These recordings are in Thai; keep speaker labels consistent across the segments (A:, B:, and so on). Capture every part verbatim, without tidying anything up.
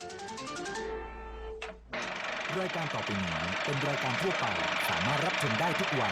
A: รายการต่อไปนี้เป็นรายการทั่วไปสามารถรับชมได้ทุกวัย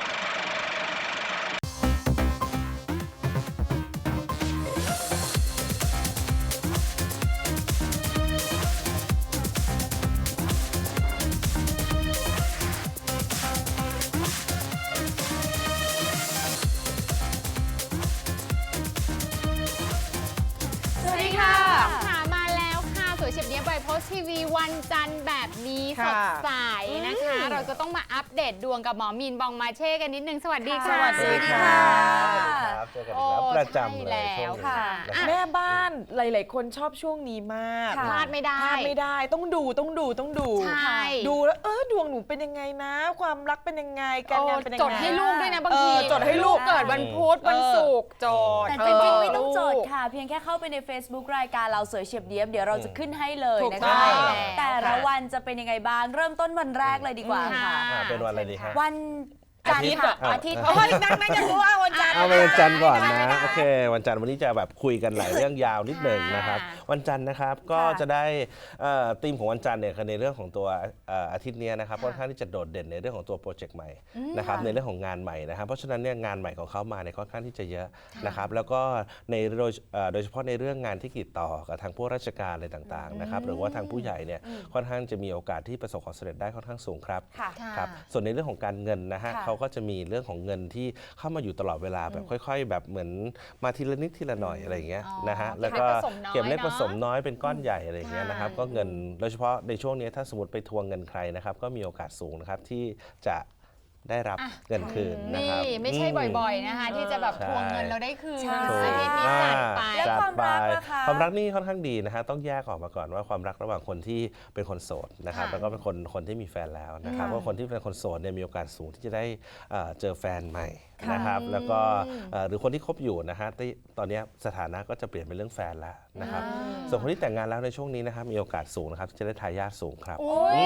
B: เฉียบเนี้ยไบโพสทีวีวันจันทร์แบบนี้สดใสนะคะเราจะต้องมาอัปเดตดวงกับหมอมีนบองมาเช่กันนิดนึงสวัสดีค่ะ
C: สวัสดีค่ะเจอกันอีกแล้วประจำเลยช่วงนี้
D: แม่บ้านหลายๆคนชอบช่วงนี้มาก
B: พลาดไม่ได้
D: พลาดไม่ได้ต้องดูต้องดูต้องดูดูแล้วเออดวงหนูเป็นยังไงนะความรักเป็นยังไงการงานเป็นยังไง
B: จดให้ลูกด้วยนะบางที
D: จดให้ลูก
B: เกิดวันพุธวันศุกร์จด
E: แต่จริงๆไม่ต้องจดค่ะเพียงแค่เข้าไปใน Facebook รายการเราสวยเฉียบเดียบเดี๋ยวเราจะขึ้นให้เลยนะคะแต่ละวันจะเป็นยังไงบ้างเริ่มต้นวันแรกเลยดีกว่าค่ะ
C: เป็นวันอะไรดีคะ
E: วันจันทร์ค่ะอาทิตย์
D: โอ้ยนั่งนั่งจะรู้ว่าวันจันทร์
C: เอาวันจันทร์ก่อนนะโอเควันจันทร์วันนี้จะแบบคุยกันหลายเรื่องยาวนิดหนึ่งนะครับวันจันทร์นะครับก็จะได้ธีมของวันจันทร์เนี่ยคือในเรื่องของตัวอาทิตย์นี้นะครับค่อนข้างที่จะโดดเด่นในเรื่องของตัวโปรเจกต์ใหม่นะครับในเรื่องของงานใหม่นะครับเพราะฉะนั้นเนี่ยงานใหม่ของเขามาเนี่ยค่อนข้างที่จะเยอะนะครับแล้วก็ในโดยโดยเฉพาะในเรื่องงานที่ติดต่อกับทางผู้ราชการอะไรต่างๆนะครับหรือว่าทางผู้ใหญ่เนี่ยค่อนข้างจะมีโอกาสที่ประสบความสำเร็จได้ค่อนข้างสูงครับครับส่วนในเรื่องของการเงินนะฮะเขาก็จะมีเรื่องของเงินที่เข้ามาอยู่ตลอดเวลาแบบค่อยๆแบบเหมือนมาทีละนิดทีละหน่อยอะไรอย่างเงี้ยนะฮะแล้วก็เก็บเล็กผสมน้อยเป็นก้อนใหญ่อะไรอย่างเงี้ยนะครับก็เงินโดยเฉพาะในช่วงนี้ถ้าสมมติไปทวงเงินใครนะครับก็มีโอกาสสูงนะครับที่จะได้รับเงินคืนนะครับ
B: นี่ไม่ใช่บ่อยๆนะคะที่จะแบบทวงเงินเราได้คืนอาทิตย์นี้จัดไป
E: แล้วความรักนะคะ
C: ความรักนี่ค่อนข้างดีนะฮะต้องแยกออกมาก่อนว่าความรักระหว่างคนที่เป็นคนโสดนะครับแล้วก็เป็นคนคนที่มีแฟนแล้วนะครับว่าคนที่เป็นคนโสดเนี่ยมีโอกาสสูงที่จะได้เจอแฟนใหม่นะครับแล้วก็หรือคนที่คบอยู่นะฮะตอนนี้สถานะก็จะเปลี่ยนเป็นเรื่องแฟนแล้วนะครับส่วนคนที่แต่งงานแล้วในช่วงนี้นะครับมีโอกาสสูงนะครับที่จะได้ทายาทสูงครับ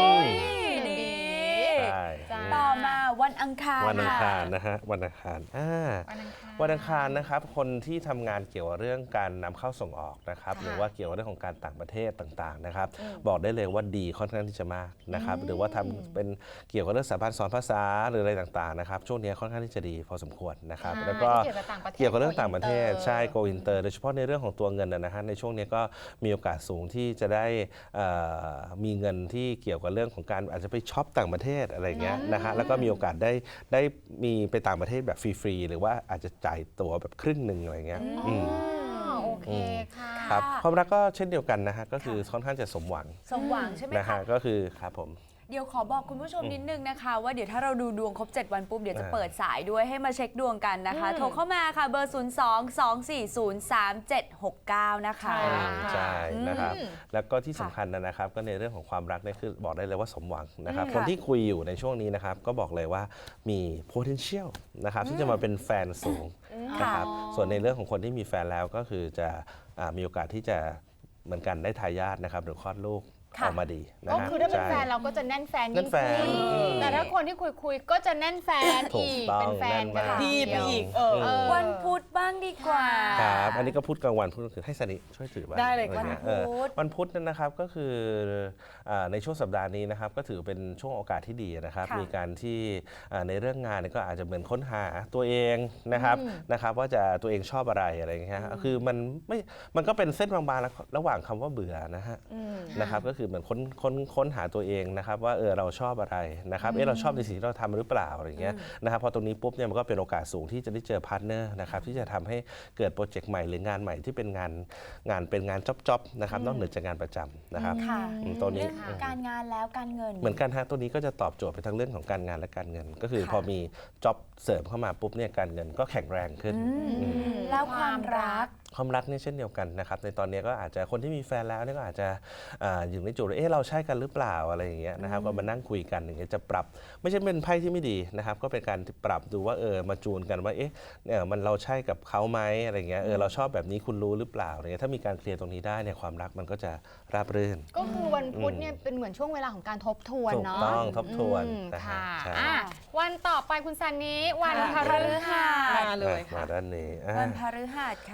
E: ต่อมาวันอังคาร
C: วันอังคารนะฮะวันอังคารวันอังคารนะครับคนที่ทำงานเกี่ยวกับเรื่องการนำเข้าส่งออกนะครับหรือว่าเกี่ยวกับเรื่องของการต่างประเทศต่างๆนะครับบอกได้เลยว่าดีค่อนข้างที่จะมากนะครับหรือว่าทำเป็นเกี่ยวกับเรื่องสถาบันสอนภาษาหรืออะไรต่างๆนะครับช่วงนี้ค่อนข้างที่จะดีพอสมควรนะครับแล้วก็เกี่ยวกับเรื่องต่างประเทศใช่โกอินเตอร์โดยเฉพาะในเรื่องของตัวเงินนะฮะในช่วงนี้ก็มีโอกาสสูงที่จะได้มีเงินที่เกี่ยวกับเรื่องของการอาจจะไปช็อปต่างประเทศอะไรเงี้ยนะฮะแล้วก็มีโอกาสได้ได้มีไปต่างประเทศแบบฟรีๆหรือว่าอาจจะจ่ายตัวแบบครึ่งหนึ่งอะไรเงี้ย
B: โอเคค่ะ
C: ครับความรักก็เช่นเดียวกันนะฮะก็คือค่อนข้างจะสมหวัง
E: สมหวังใช่ไหม
C: นะฮะก็คือครับผม
E: เดี๋ยวขอบอกคุณผู้ชมนิดนึงนะคะว่าเดี๋ยวถ้าเราดูดวงครบเจ็ดวันปุ๊บเดี๋ยวจะเปิดสายด้วยให้มาเช็คดวงกันนะคะโทรเข้ามาค่ะเบอร์ ศูนย์ สอง สอง สี่ ศูนย์ สาม เจ็ด หก เก้า นะคะ
C: ใช่นะครับแล้วก็ที่สำคัญนะครับก็ในเรื่องของความรักเนี่ยคือบอกได้เลยว่าสมหวังนะครับคนที่คุยอยู่ในช่วงนี้นะครับก็บอกเลยว่ามี potential นะครับที่จะมาเป็นแฟนสูงนะครับส่วนในเรื่องของคนที่มีแฟนแล้วก็คือจะมีโอกาสที่จะเหมือนกันได้ทายาทนะครับหรือคลอดลูกออกมาดี
B: ก็คือถ้าเป็นแฟนเราก็จะแน่นแฟนยิ่งขึ้นแต่ถ้าคนที่คุยคุยก็จะแน่นแฟนอีกเป็นแฟนกัน
D: ดีไปอีก
E: วันพุธบ้างดีกว่า
C: ครับอันนี้ก็พุธกลางวันพุธคือให้สนิช่วยถือบ้าง
D: ได้เลยวัน
E: พุธ
C: วันพุธนั่นนะครับก็คือในช่วงสัปดาห์นี้นะครับก็ถือเป็นช่วงโอกาสที่ดีนะครับมีการที่ในเรื่องงานก็อาจจะเหมือนค้นหาตัวเองนะครับนะครับว่าจะตัวเองชอบอะไรอะไรอย่างเงี้ยคือมันไม่มันก็เป็นเส้นบางๆระหว่างคำว่าเบื่อนะฮะนะครับก็คือเหมือนค้นค้นค้นหาตัวเองนะครับว่าเออเราชอบอะไรนะครับเออเราชอบในสิ่งที่เราทำหรือเปล่าอะไรเงี้ยนะครับพอตรงนี้ปุ๊บเนี่ยมันก็เป็นโอกาสสูงที่จะได้เจอพาร์ทเนอร์นะครับที่จะทำให้เกิดโปรเจกต์ใหม่หรืองานใหม่ที่เป็นงานงานเป็นงานจ๊อบๆนะครับนอกเหนือจากงานประจำนะครับตัวนี้
E: การงานแล้วการเงิน
C: เหมือนกันฮะตัวนี้ก็จะตอบโจทย์ไปทั้งเรื่องของการงานและการเงินก็คือพอมีจ็อบเสริมเข้ามาปุ๊บเนี่ยการเงินก็แข็งแรงขึ้น
E: แล้วความรัก
C: ความรักนี่เช่นเดียวกันนะครับในตอนนี้ก็อาจจะคนที่มีแฟนแล้วนี่ก็อาจจะอยู่ในจุดเอ๊ะเราใช่กันหรือเปล่าอะไรอย่างเงี้ยนะครับก็มานั่งคุยกันอย่างเงี้ยจะปรับไม่ใช่เป็นไพ่ที่ไม่ดีนะครับก็เป็นการปรับดูว่าเออมาจูนกันว่าเอ๊ะเนี่ยมันเราใช่กับเขาไหมอะไรเงี้ยเออเราชอบแบบนี้คุณรู้หรือเปล่าอะไรเงี้ยถ้ามีการเคลียร์ตรงนี้ได้เนี่ยความรักมันก็จะราบรื่น
B: ก็คือวันพุธเนี่ยเป็นเหมือนช่วงเวลาของการทบทวนเนาะ
C: ถูกต้องทบทวน
B: ค่ะวันต่อไปคุณซันนี้วันพฤหัส
E: มา
C: เลยค่ะมาด้านนี้
E: วันพฤหัสค่ะ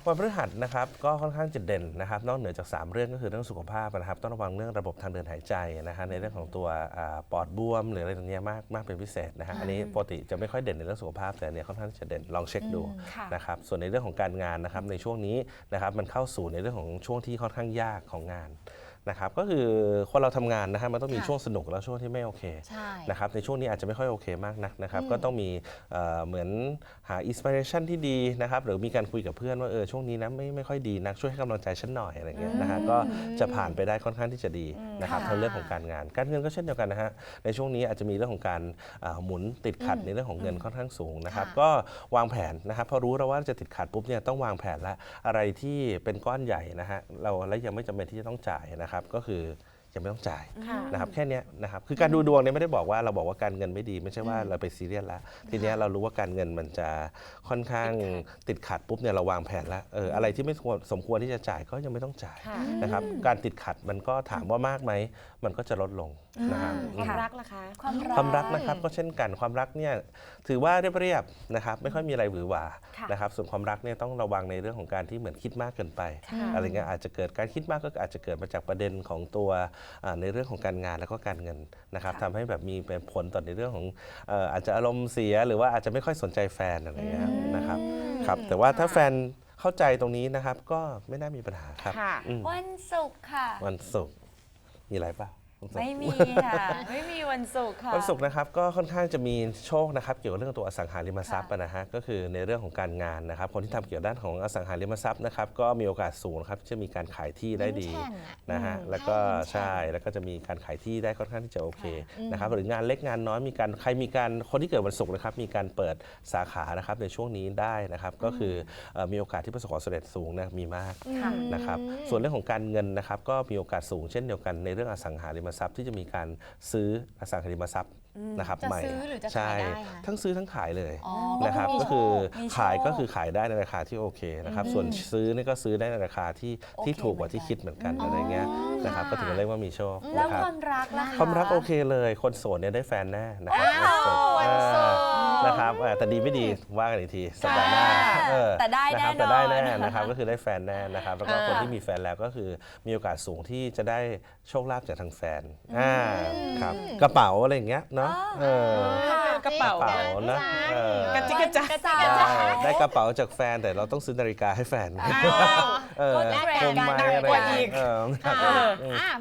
C: วันพฤหัสนะครับก็ค่อนข้างจะเด่นนะครับนอกเหนือจาก สาม เรื่องก็คือเรื่องสุขภาพนะครับต้องระวังเรื่องระบบทางเดินหายใจนะฮะในเรื่องของตัวอ่าปอดบวมหรืออะไรตรงเนี้ยมากมากเป็นพิเศษนะฮะอันนี้ปกติจะไม่ค่อยเด่นในเรื่องสุขภาพแต่อันเนี้ยค่อนข้างจะเด่นลองเช็คดู
E: ค่ะ
C: นะครับส่วนในเรื่องของการงานนะครับในช่วงนี้นะครับมันเข้าสู่ในเรื่องของช่วงที่ค่อนข้างยากของงานนะครับก็คือคนเราทำงานนะฮะมันต้องมี
B: ค่ะ
C: ช่วงสนุกแล้วช่วงที่ไม่โอเค
B: ใช่
C: นะครับในช่วงนี้อาจจะไม่ค่อยโอเคมากนักนะครับก็ต้องมีเอ่อเหมือนหาอินสปิเรชันที่ดีนะครับหรือมีการคุยกับเพื่อนว่าเออช่วงนี้นะไม่ไม่ค่อยดีนักช่วยให้กำลังใจฉันหน่อยอะไรเงี้ยนะฮะก็จะผ่านไปได้ค่อนข้างที่จะดีนะครับ
B: ค่ะ
C: ทั้งเรื่องของการงาน การเงินก็เช่นเดียวกันนะฮะในช่วงนี้อาจจะมีเรื่องของการอ่าหมุนติดขัดในเรื่องของเงินค่อนข้างสูงนะครับ
B: ค่ะ
C: ก็วางแผนนะครับพอรู้แล้วว่าจะติดขัดปุ๊บเนี่ยต้องวางแผนละอะไรที่เป็นก้อนใหญ่นะฮะเราและยังไม่จำเป็นที่จะต้องจ่ายนะครับก็คือยังไม่ต้องจ่าย
D: ค่ะ
C: นะครับแค่เนี้ยนะครับคือการดูดวงเนี่ยไม่ได้บอกว่าเราบอกว่าการเงินไม่ดีไม่ใช่ว่าเราไปซีเรียสแล้วทีเนี้ยเรารู้ว่าการเงินมันจะค่อนข้างติดขัดปุ๊บเนี่ยเราวางแผนแล้วเอออะไรที่ไม่ควรสมควรที่จะจ่ายก็ยังไม่ต้องจ่าย
D: ค่ะ
C: นะครับการติดขัดมันก็ถามว่ามากไหมมันก็จะลดลงนะครับ
D: ความ
E: ค่ะ
D: รักล่ะคะ
E: ความรัก
C: ความรักนะครับก็เช่นกันความรักเนี่ยถือว่าเรียบๆนะครับไม่ค่อยมีอะไรหวือหวา
E: ค่ะ
C: นะครับส่วนความรักเนี่ยต้องระวังในเรื่องของการที่เหมือนคิดมากเกินไป
D: ค่ะ
C: อะไรเงี้ยอาจจะเกิดการคิดมากก็อาจจะเกิดมาจากประเด็นของตัวอ่าในเรื่องของการงานแล้วก็การเงินนะครับ
E: ค่ะ
C: ทำให้แบบมีเป็นผลต่อในเรื่องของเอ่ออาจจะอารมณ์เสียหรือว่าอาจจะไม่ค่อยสนใจแฟนอะไรเงี้ยนะครับครับแต่ว่าถ้าแฟนเข้าใจตรงนี้นะครับก็ไม่น่ามีปัญหาครับ
D: ค่ะ
C: อืม
E: วันศุกร์ค่ะ
C: วันศุกร์มีอะไรป่ะวันศุกร์
E: ไม่มีค่ะ ไม่มีวันศุกร์ค่ะ
C: วันศุกร์นะครับก็ค่อนข้างจะมีโชคนะครับเกี่ยวกับเรื่องตัวอสังหาริมทรัพย์
E: ค่ะ
C: นะฮะก็คือในเรื่องของการงานนะครับคนที่ทำเกี่ยวกับด้านของอสังหาริมทรัพย์นะครับก็มีโอกาสสูงนะครับที่จะมีการขายที่ได้ดี
B: ยิ้มแฉ่งอะ
C: นะฮะแล้วก็
B: ใช่
C: ใช่แล้วก็จะมีการขายที่ได้ค่อนข้างที่จะโอเคนะครับหรืองานเล็กงานน้อยมีการใครมีการคนที่เกิดวันศุกร์นะครับมีการเปิดสาขานะครับในช่วงนี้ได้นะครับก็คือเอ่อมีโอกาสที่ประสบความสำเร็จสูงนะมีมาก
E: ค่ะ
C: นะครับส่วนเรื่องของการเงินนะครับก็มีโอกาสสูงเช่นเดียวกันในเรื่องอสังหาริมทรัพย์ที่จะมีการซื้ออสังหาริมทรัพย์นะครับ
B: จะ
C: ใหม่
B: ซื้อหรือจะขาย
C: ใช่
B: ได้คะ
C: ทั้งซื้อทั้งขายเลย
B: อ๋อ
C: นะครับ
E: ก็
C: ก็
E: คื
C: คือ อ
E: มีโชค
C: ขายก็คือขายได้ในราคาที่โอเคนะครับส่วนซื้อนี่ก็ซื้อได้ในราคาที่ที่
E: โอเค
C: ถูกกว่าที่
E: เหมือนกัน
C: คิดเหมือนกันอะไรเงี้ยนะครับก็ถือว่าเรียกว่ามีโชค
E: แล้ว
C: นะครับ
E: ความรักล่ะคะ
C: ความรักโอเคเลยคนโสดเนี่ยได้แฟนแน่นะครับ
B: อ้าววันศุกร์
C: นะครับเออแต่ดีไม่ดีว่ากันอีกทีสัปดาห์หน้าเออ
E: แต่ได้
C: ะครับ
E: แน่นอน
C: แต่ได้แน่นะครับก็คือได้แฟนแน่นะครับแล้วก็คนที่มีแฟนแล้วก็คือมีโอกาสสูงที่จะได้โชคลาภจากทางแฟนอ่าครับกระเป๋าอะไรอย่างเงี้ยเนาะเออ
D: กระเป๋า
C: กระเป๋านะเออ
D: กระจิกกระจัก
E: สา
C: ได้ได้กระเป๋าจากแฟนแต่เราต้องซื้อนาฬิกาให้แฟน
D: อ้าว
C: เออ
E: แลก
C: ค
E: กัน
C: มไหม
D: หนัก
C: อะไร
D: กว่าอีก
C: เออ
B: อ่ะอ่ะ